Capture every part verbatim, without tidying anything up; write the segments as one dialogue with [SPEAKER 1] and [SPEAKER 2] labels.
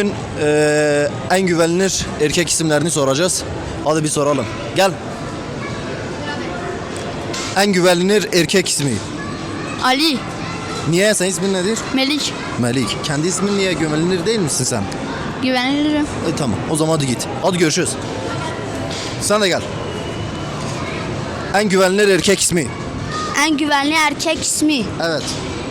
[SPEAKER 1] bugün eee, en güvenilir erkek isimlerini soracağız. Hadi bir soralım. Gel. En güvenilir erkek ismi.
[SPEAKER 2] Ali,
[SPEAKER 1] Niye? Senin ismin nedir?
[SPEAKER 2] Melik,
[SPEAKER 1] Melik. Kendi ismin niye güvenilir değil misin sen?
[SPEAKER 2] güvenilirim.
[SPEAKER 1] E tamam. O zaman hadi git. Hadi görüşürüz. Sen de gel. En güvenilir erkek ismi.
[SPEAKER 2] En güvenli erkek ismi
[SPEAKER 1] Evet.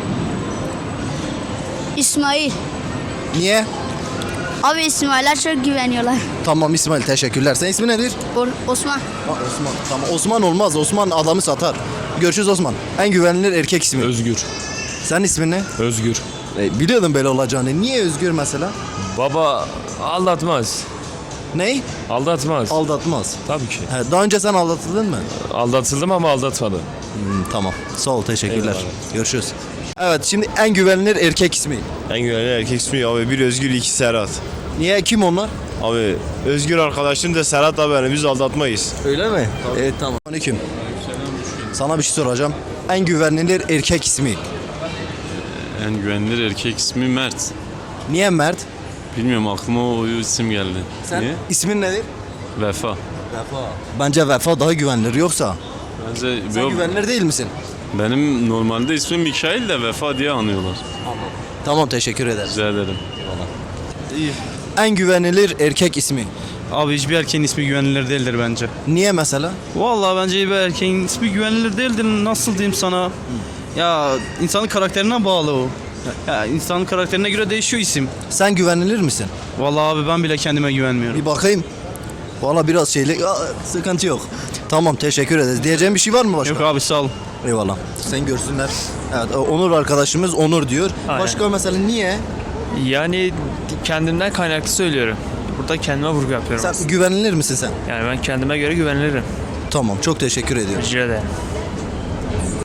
[SPEAKER 2] İsmail.
[SPEAKER 1] Niye?
[SPEAKER 2] Abi İsmail'ler çok güveniyorlar.
[SPEAKER 1] Tamam İsmail, teşekkürler. Senin ismin nedir?
[SPEAKER 2] O- Osman.
[SPEAKER 1] Ha, Osman. Tamam. Osman olmaz. Osman adamı satar. Görüşürüz Osman. En güvenilir erkek ismi.
[SPEAKER 3] Özgür.
[SPEAKER 1] Senin ismin ne?
[SPEAKER 3] Özgür.
[SPEAKER 1] E, biliyordum böyle olacağını. Niye Özgür mesela?
[SPEAKER 3] Baba aldatmaz.
[SPEAKER 1] Ney?
[SPEAKER 3] Aldatmaz.
[SPEAKER 1] Aldatmaz.
[SPEAKER 3] Tabii ki.
[SPEAKER 1] He, daha önce sen aldatıldın mı?
[SPEAKER 3] Aldatıldım ama aldatmadım.
[SPEAKER 1] Hmm, tamam. Sağ ol. Teşekkürler.
[SPEAKER 3] Eyvallah.
[SPEAKER 1] Görüşürüz. Evet, şimdi en güvenilir erkek ismi.
[SPEAKER 4] En güvenli erkek ismi abi bir Özgür iki Serhat.
[SPEAKER 1] Niye? Kim onlar?
[SPEAKER 4] Abi Özgür arkadaşım da Serhat abi yani biz aldatmayız.
[SPEAKER 1] Öyle mi? Evet, tamam. Aleyküm. Sana bir şey soracağım. En güvenilir erkek ismi.
[SPEAKER 5] En güvenilir erkek ismi Mert.
[SPEAKER 1] Niye Mert?
[SPEAKER 5] Bilmiyorum aklıma o isim geldi.
[SPEAKER 1] Sen
[SPEAKER 5] Niye?
[SPEAKER 1] ismin nedir?
[SPEAKER 5] Vefa.
[SPEAKER 1] Vefa. Bence Vefa daha güvenilir, yoksa.
[SPEAKER 5] Bence
[SPEAKER 1] Sen
[SPEAKER 5] yok,
[SPEAKER 1] güvenilir değil misin?
[SPEAKER 5] benim normalde ismim Mikail de Vefa diye anıyorlar.
[SPEAKER 1] Tamam, teşekkür ederiz.
[SPEAKER 5] Rica ederim.
[SPEAKER 1] En güvenilir erkek ismi.
[SPEAKER 6] Abi hiçbir erkeğin ismi güvenilir değildir bence.
[SPEAKER 1] Niye mesela?
[SPEAKER 6] Vallahi bence bir erkeğin ismi güvenilir değildir. Nasıl diyeyim sana? Ya insanın karakterine bağlı o. Ya insanın karakterine göre değişiyor isim.
[SPEAKER 1] Sen güvenilir misin?
[SPEAKER 6] Vallahi abi ben bile kendime güvenmiyorum.
[SPEAKER 1] Bir bakayım. Valla biraz şeylik. Aa, sıkıntı yok. Tamam, teşekkür ederiz. Diyeceğim bir şey var mı başka?
[SPEAKER 6] Yok abi sağ ol.
[SPEAKER 1] Eyvallah. Sen görsünler. Evet, Onur arkadaşımız Onur diyor.
[SPEAKER 7] Aynen.
[SPEAKER 1] Başka mesela niye?
[SPEAKER 7] Yani kendimden kaynaklı söylüyorum. Burada kendime vurgu yapıyorum.
[SPEAKER 1] Sen güvenilir misin sen?
[SPEAKER 7] Yani ben kendime göre güvenilirim.
[SPEAKER 1] Tamam, çok teşekkür ediyorum.
[SPEAKER 7] Rica ederim.